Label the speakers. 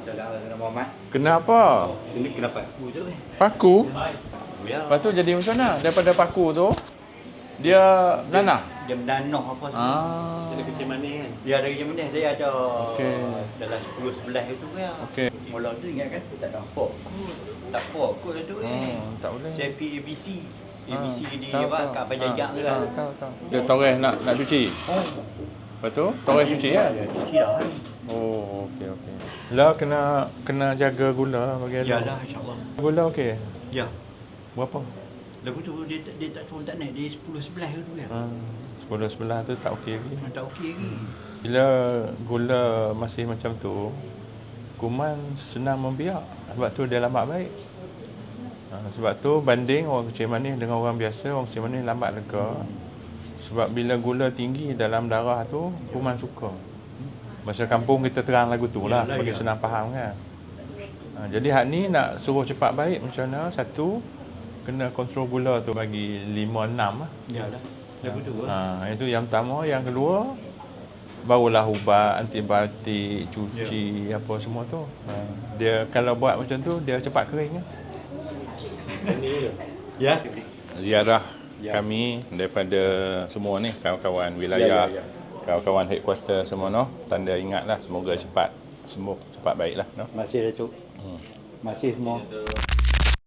Speaker 1: Kenapa?
Speaker 2: Ini kenapa paku tu?
Speaker 1: Paku?
Speaker 2: Ya.
Speaker 1: Lepas tu jadi macam mana? Daripada paku tu, dia nanah?
Speaker 2: Dia menanah apa semua.
Speaker 1: Ah.
Speaker 2: Dia kecil manis kan? Dia ada kecil manis. Saya ada
Speaker 1: Okey.
Speaker 2: dalam 10-11 itu ya.
Speaker 1: Okey.
Speaker 2: Mula tu ingat kan? Tak nampak kot. Tak pokok tu
Speaker 1: Tak boleh.
Speaker 2: Saya pergi ABC. ABC di
Speaker 1: tahu,
Speaker 2: apa?
Speaker 1: tahu.
Speaker 2: Kat Pajajak tu kan?
Speaker 1: Tahu. Dia toreh nak cuci?
Speaker 2: Oh.
Speaker 1: Lepas tu, toreh cuci kan?
Speaker 2: Ya, cuci dah kan?
Speaker 1: Oh, okey. Lah kena jaga gula bagi
Speaker 2: Ya
Speaker 1: anak.
Speaker 2: lah, insyaAllah.
Speaker 1: Gula okey?
Speaker 2: Ya.
Speaker 1: Berapa?
Speaker 2: Lagu tu dia tak turun tak naik. Dia 10-11 tu kan?
Speaker 1: 10-11 tu tak okey lagi.
Speaker 2: Tak okey lagi.
Speaker 1: Bila gula masih macam tu, kuman senang membiak. Sebab tu dia lambat baik. Sebab tu banding orang kecil manis dengan orang biasa, orang kecil manis lambat lega. Sebab bila gula tinggi dalam darah tu, kuman suka. Masa kampung kita terang lagu tu lah, bagi senang faham kan. Jadi hak ni nak suruh cepat baik macam mana? Satu, kena kontrol gula tu bagi 5-6 lah.
Speaker 2: Yalah. Lagu tu.
Speaker 1: Itu yang pertama. Yang kedua, barulah ubat, antibiotik, cuci, apa semua tu. Dia kalau buat macam tu, dia cepat kering kan.
Speaker 2: Ya.
Speaker 1: Ziarah kami daripada semua ni, kawan-kawan wilayah, kawan-kawan headquarter semua no. Tanda ingatlah, semoga cepat sembuh, cepat baiklah no.
Speaker 2: Masih Datuk. Masih semua.